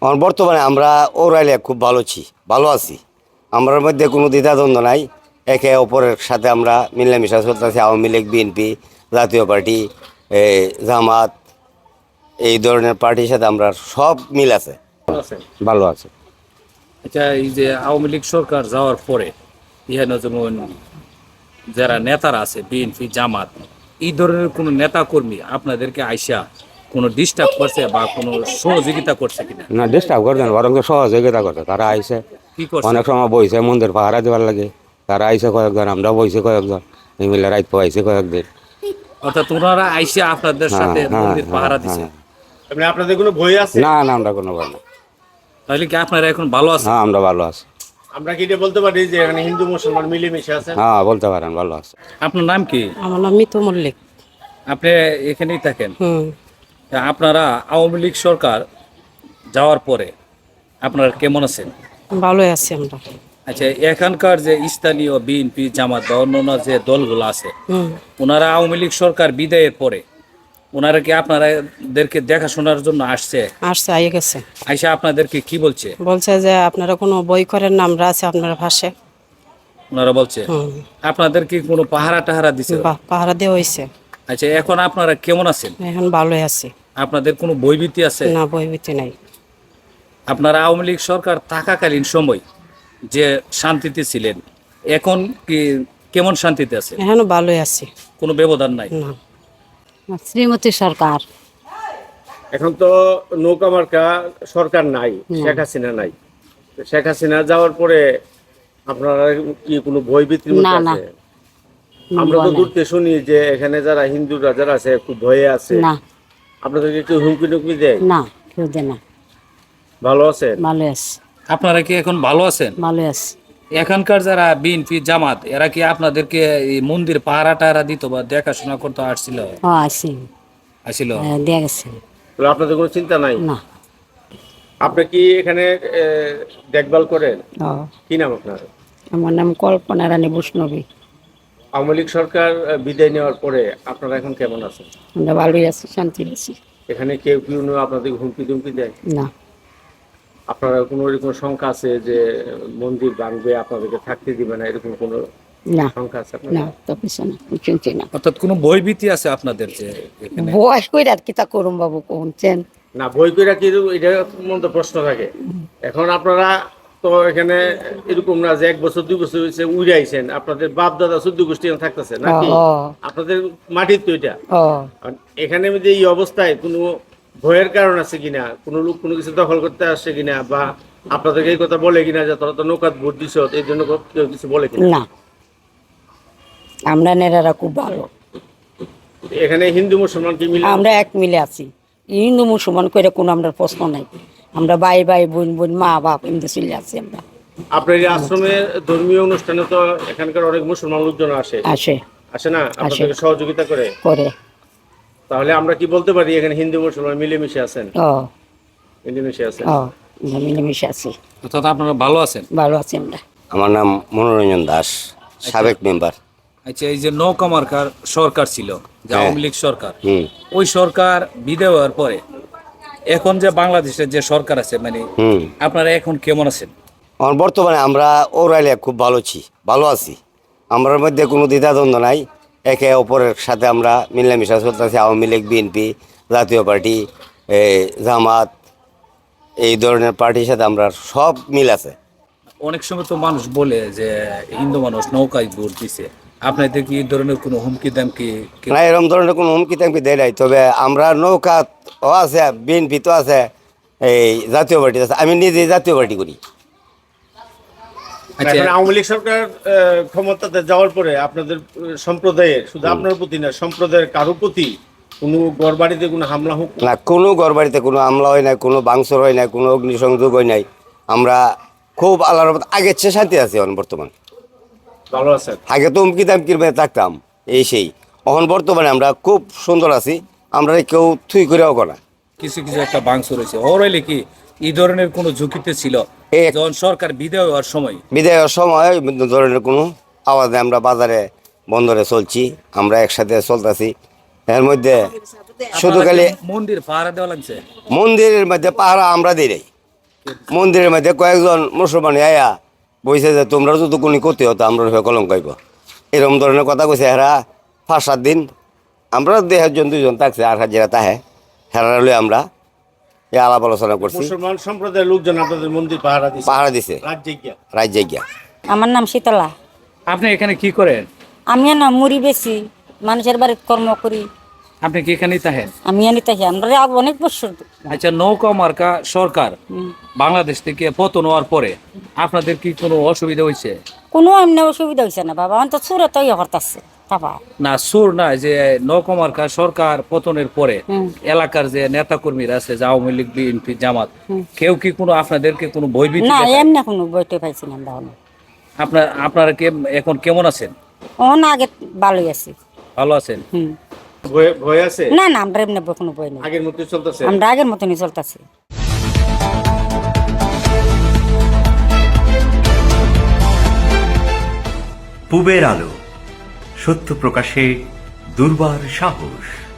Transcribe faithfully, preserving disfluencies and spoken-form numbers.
এখন বর্তমানে আমরা ওরাইলে খুব ভালো আছি ভালো আছি আমরার মধ্যে কোনো দ্বিধাদ্বন্দ্ব নাই। একে অপরের সাথে আমরা মিলামিশা চলতেছি। আওয়ামী লীগ, বিএনপি, জাতীয় পার্টি, এই জামাত, এই ধরনের পার্টির সাথে আমরা সব মিল আছে, আছে। ভালো আছে। আচ্ছা, এই যে আওয়ামী লীগ সরকার যাওয়ার পরে ইহানো যেমন যারা নেতারা আছে বিএনপি, জামাত, এই ধরনের কোনো নেতা কর্মী আপনাদেরকে আইসা কোনো ডিস্টার্ব করছে বা কোনো সহযোগিতা করছে কিনা? না ডিস্টার্ব করছে না, বরং সহযোগিতা করছে। তারা আইসে কি করছে? অনেক সময় বইছে মন্দির পাহারা দেওয়ার লাগে, তারা আইসে কয়েকজন, আমরা বইছে কয়েকজন, এই মিলে রাত পাইছে কয়েকদিন। অর্থাৎ ওনারা আইসা আপনাদের হ্যাঁ, সাথে হ্যাঁ, মন্দির হ্যাঁ, পাহারা দিছে। হ্যাঁ। মানে আপনাদের কোনো ভয় আছে? না না আমরা কোনো ভয় না। তাহলে কি আপনারা এখন ভালো আছেন? হ্যাঁ আমরা ভালো আছি। আমরা কি এটা বলতে পারি যে এখানে হিন্দু মুসলমান মিলেমিশে আছে? হ্যাঁ বলতে পারেন ভালো আছে। আপনার নাম কি? আমার নাম মিতু মল্লিক। আপনি এখানেই থাকেন? হুম তা আপনারা আওয়ামী লীগ সরকার যাওয়ার পরে আপনারা কেমন আছেন? ভালোই আছি আমরা। আচ্ছা, এখানকার যে স্থানীয় বিএনপি, জামাত বা অন্যান্য যে দলগুলো আছে, হুম ওনারা আওয়ামী লীগ সরকার বিদায়ের পরে ওনারা কি আপনারাদেরকে দেখাশোনার জন্য আসছে? আসছে, আইয়ে গেছে। আইসা আপনাদেরকে কি বলছে? বলছে যে আপনারা কোনো বই করেন না, আমরা আছি আপনারা পাশে। ওনারা বলছে হুম আপনাদের কি কোনো পাহারা টাহারা দিছে? বাহ, পাহারা দেওয়া হয়েছে। আচ্ছা, এখন আপনারা কেমন আছেন? এখন ভালোই আছি, আপনাদের কোনো বইভীতি আছে? না বই ভীতি নাই। আপনারা আওয়ামী লীগ সরকার থাকাকালীন সময় যে শান্তিতে ছিলেন, এখন কি কেমন শান্তিতে আছে? এখনো ভালোই আছি। কোনো ব্যবধান নাই? না শ্রীমতী সরকার। এখন তো নৌকা মার্কা সরকার নাই, শেখ হাসিনা নাই। তো শেখ হাসিনা যাওয়ার পরে আপনারা কি কোনো ভয় ভীতির মধ্যে না, না। আছে? আমরা তো দূরতে শুনি যে এখানে যারা হিন্দুরা যারা আছে খুব ভয়ে আছে। না আপনাদেরকে কেউ হুমকি টুমকি দেয়? না কেউ দেয় না, ভালো আছেন? ভালো আছে, আপনারা কি এখন ভালো আছেন? ভালো আছে। এখানকার যারা বিএনপি, জামাত, এরা কি আপনাদেরকে এই মন্দির পাহারা টাহারা দিত বা দেখাশোনা করতে আসছিল? ও আছি, আসছিল? দিয়ে গেছে। তাহলে আপনাদের কোনো চিন্তা নাই? না। আপনি কি এখানে এ, দেখভাল করেন? ও কি নাম আপনার? আমার নাম কল্পনা রানী বৈষ্ণবী। আওয়ামী লীগ সরকার আহ, বিদায় নেওয়ার পরে আপনারা এখন কেমন আছেন? আমরা ভালোই আছি, শান্তি আছি। এখানে কেউ কেউ আপনাদের হুমকি টুমকি দেয়? না আপনারা কোনো এরকম শঙ্কা আছে যে মন্দির ভাঙবে, আপনাদেরকে থাকতে দিবে না, এরকম কোনো না শঙ্কা আছে আপনাদের? না তো কিছু না, শুনছি না। অর্থাৎ কোনো ভয়ভীতি আছে আপনাদের যে এখানে? বয়স করে আর কিতা করুম বাবু কোনছেন। না বই কইরা কি এটা মধ্যে প্রশ্ন থাকে। এখন আপনারা তো এখানে এরকম না যে এক বছর দুই বছর হয়েছে উড়ে আইছেন, আপনাদের বাপ দাদা চোদ্দ গোষ্ঠী এখানে থাকতেছে নাকি? ও। আপনাদের মাটির তো এটা। ও আর এখানে যে এই অবস্থায় কোনো ভয়ের কারণ আছে কিনা, কোনো লোক কোনো কিছু দখল করতে আসছে কিনা, বা আপনাদেরকে এই কথা বলে কিনা যে তোরা তো নৌকাত ভোট দিছ, এই জন্য কেউ কিছু বলে কিনা? না, আমরা নেড়ারা খুব ভালো, এখানে হিন্দু মুসলমান কি মিলে? আমরা এক মিলে আছি। হিন্দু মুসলমান করে কোনো আমরা প্রশ্ন নাই, আমরা ভাই ভাই বোন বোন মা বাপ এমনি চলে আছি আমরা। আপনার এই আশ্রমের ধর্মীয় অনুষ্ঠানে তো এখানকার অনেক মুসলমান লোকজন আসে আসে আসে না, আপনাদেরকে সহযোগিতা করে? করে। তাহলে আমরা কি বলতে পারি এখানে হিন্দু মুসলমান মিলেমিশে আছেন? ও মিলেমিশে আছেন। ও আমরা মিলেমিশে আছি, অর্থাৎ আপনারা ভালো আছেন? ভালো আছি আমরা। আমার নাম মনোরঞ্জন দাস, সাবেক মেম্বার। আচ্ছা, এই যে নৌকা মার্কার সরকার ছিল, যে আওয়ামী লীগ সরকার, হুম ওই সরকার বিদায় হওয়ার পরে এখন যে বাংলাদেশের যে সরকার আছে, মানে হুম আপনারা এখন কেমন আছেন? এখন বর্তমানে আমরা ওরাইলে খুব ভালো আছি ভালো আছি আমরার মধ্যে কোনো দ্বিধাদ্বন্দ্ব নাই। একে অপরের সাথে আমরা মিলামিশা চলতেছি। আওয়ামী লীগ, বিএনপি, জাতীয় পার্টি, এই জামাত, এই ধরনের পার্টির সাথে আমরা সব মিল আছে। অনেক সময় তো মানুষ বলে যে হিন্দু মানুষ নৌকায় ভোট দিছে, আপনাদের কি এই ধরনের কোনো হুমকি দামকি? না, এরকম ধরনের কোনো হুমকি টামকি দেয় নাই। তবে আমরা নৌকা ও আছে, বিএনপি তো আছে, এই জাতীয় পার্টি আছে। আমি নিজে জাতীয় পার্টি করি। আচ্ছা, এখন আওয়ামী লীগ সরকার আহ, ক্ষমতাতে যাওয়ার পরে আপনাদের আহ, সম্প্রদায়ের, শুধু আপনার প্রতি না, সম্প্রদায়ের কারো প্রতি কোনো ঘর বাড়িতে কোনো হামলা হোক? না, কোনো ঘরবাড়িতে কোনো হামলা হয় নাই, কোনো ভাঙচুর হয় নাই, কোনো অগ্নিসংযোগ হয় নাই। আমরা খুব আল্লাহর রহমতে আগের চেয়ে শান্তি আছি এখন বর্তমান। ভালো আছেন? আগে তো হুমকি দামকির মধ্যে থাকতাম এই সেই। এখন বর্তমানে আমরা খুব সুন্দর আছি। আমরা কেউ থুই করেও করা। কিছু কিছু একটা বাংসুর হয়েছে, ওরাইলে কি এই ধরনের কোনো ঝুঁকিতে ছিল এ- যখন সরকার বিদায় হওয়ার সময়? বিদায়ের সময় বিভিন্ন ধরনের কোনো আওয়াজে আমরা বাজারে বন্দরে চলছি, আমরা একসাথে চলতেছি। এর মধ্যে শুধু আপনারা খালি কি মন্দির পাহারা দেওয়া লাগছে? মন্দিরের মধ্যে পাহারা আমরা দিই নাই। মন্দিরের মধ্যে কয়েকজন মুসলমান আয়া বইছে যে তোমরা যদি কোনো ক্ষতি হতো আমরা হয়ে কলঙ্ক গাইব এরকম ধরনের কথা কইছে হেরা পাঁচ সাত দিন আমরা দেড়জন দুইজন থাকছে আর হাজিরা তাহে হেরা লই আমরা এই আলাপ আলোচনা করছি মুসলমান সম্প্রদায়ের লোকজন আপনাদের মন্দির পাহারা দিচ্ছে পাহারা দিছে রাজ্যে গিয়া রাজ্যে গিয়া আমার নাম শীতলা। আপনি এখানে কি করেন? আমি না মুড়ি বেশি মানুষের বাড়িতে কর্ম করি। আপনি কি এখানেই থাকেন? আমি আনি তাই আমরা অনেক বছর। আচ্ছা, নৌকা মার্কা সরকার বাংলাদেশ থেকে পতন হওয়ার পরে আপনাদের কি কোনো অসুবিধা হয়েছে? কোনো এমনি অসুবিধা হয়েছে না বাবা, আমার তো সুরে তো ইয়ে করতেছে বাবা। না সুর না, যে নৌকা মার্কা সরকার পতনের পরে হুম। এলাকার যে নেতা কর্মীরা আছে, যে আওয়ামী লীগ, বিএনপি, জামাত, কেউ কি কোনো আপনাদেরকে কোনো ভয়ভীতি না দেখায়? এমনি কোনো বইতে পাইছি না আমরা। আপনার আপনারা কে এখন কেমন আছেন? ও না আগে ভালোই আছি। ভালো আছেন? হুম। ভয় ভয় আছে না না আমরা এমনি কোনো বই নেই, আগের মতো চলতেছে আমরা আগের মতনই চলতেছি। পূবের আলো, সত্য প্রকাশে দুর্বার সাহস।